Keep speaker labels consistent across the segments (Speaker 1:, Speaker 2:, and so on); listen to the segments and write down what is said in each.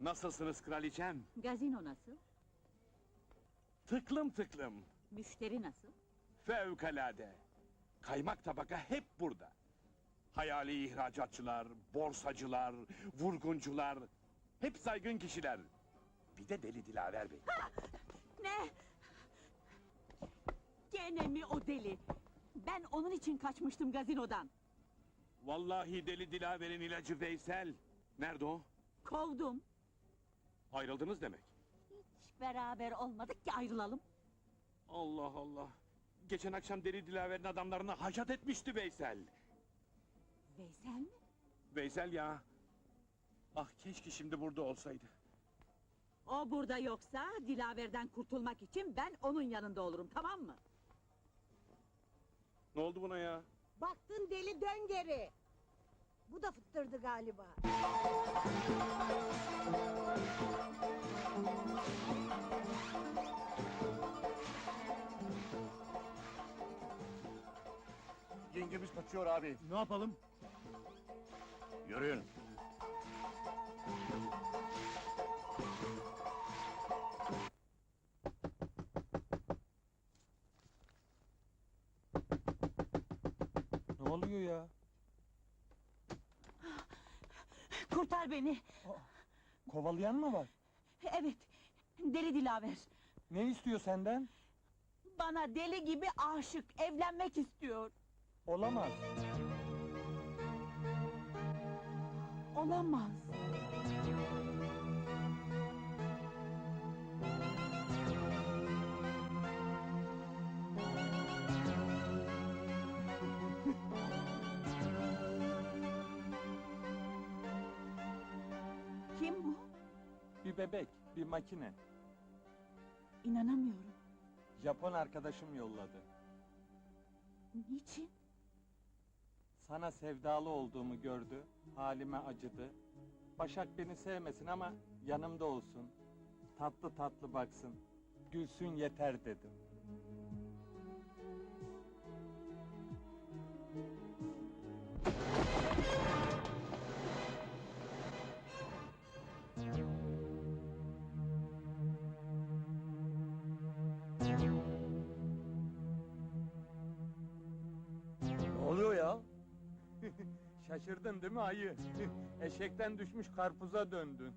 Speaker 1: Nasılsınız kraliçem?
Speaker 2: Gazino nasıl?
Speaker 1: Tıklım tıklım.
Speaker 2: Müşteri nasıl?
Speaker 1: Fevkalade. Kaymak tabaka hep burada. Hayali ihracatçılar, borsacılar, vurguncular... Hep saygın kişiler. Bir de Deli Dilaver Bey.
Speaker 2: Ne? Gene mi o deli? Ben onun için kaçmıştım gazinodan.
Speaker 1: Vallahi Deli Dilaver'in ilacı Veysel. Nerede o?
Speaker 2: Kovdum.
Speaker 1: Ayrıldınız demek.
Speaker 2: Hiç beraber olmadık ki ayrılalım.
Speaker 1: Allah Allah. Geçen akşam Deli Dilaver'in adamlarına haşat etmişti Veysel.
Speaker 2: Veysel mi?
Speaker 1: Veysel ya. Ah keşke şimdi burada olsaydı.
Speaker 2: O burada yoksa Dilaver'den kurtulmak için ben onun yanında olurum, tamam mı?
Speaker 1: Ne oldu buna ya?
Speaker 3: Baktın deli, dön geri. Bu da fıttırdı galiba.
Speaker 4: Yengemiz kaçıyor abi.
Speaker 5: Ne yapalım?
Speaker 4: Yürüyün.
Speaker 5: Ne oluyor ya?
Speaker 2: Kurtar beni!
Speaker 5: Kovalayan mı var?
Speaker 2: Evet, deli Dilaver.
Speaker 5: Ne istiyor senden?
Speaker 2: Bana deli gibi aşık, evlenmek istiyor.
Speaker 5: Olamaz.
Speaker 2: Olamaz. Kim bu?
Speaker 5: Bir bebek, bir makine.
Speaker 2: İnanamıyorum.
Speaker 5: Japon arkadaşım yolladı.
Speaker 2: Niçin?
Speaker 5: Sana sevdalı olduğumu gördü, halime acıdı. Başak beni sevmesin ama yanımda olsun. Tatlı tatlı baksın. Gülsün yeter dedim.
Speaker 4: Ne oluyor ya?
Speaker 5: Şaşırdın değil mi ayı? Eşekten düşmüş karpuza döndün.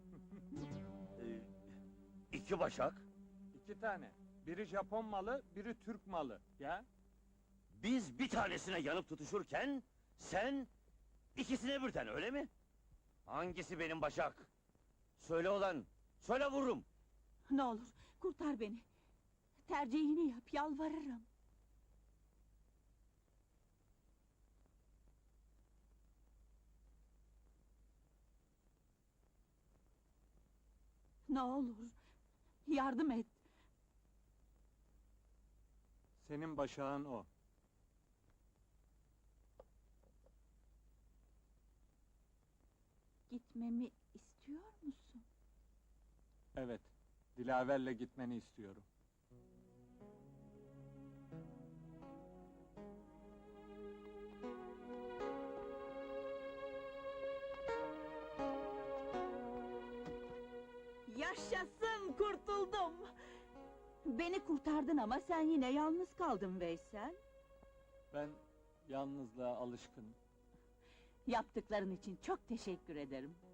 Speaker 4: İki başak.
Speaker 5: 2 tane. Biri Japon malı, biri Türk malı. Ya?
Speaker 4: Biz bir tanesine yanıp tutuşurken... ...sen... ikisine birden, öyle mi? Hangisi benim başak? Söyle olan, söyle vururum!
Speaker 2: Ne olur, kurtar beni. Tercihini yap, yalvarırım. Ne olur, yardım et.
Speaker 5: Senin başağın o.
Speaker 2: Gitmemi istiyor musun?
Speaker 5: Evet, Dilaver'le gitmeni istiyorum.
Speaker 2: Yaşasın, kurtuldum! Beni kurtardın ama sen yine yalnız kaldın Veysel.
Speaker 5: Ben yalnızlığa alışkınım.
Speaker 2: Yaptıkların için çok teşekkür ederim.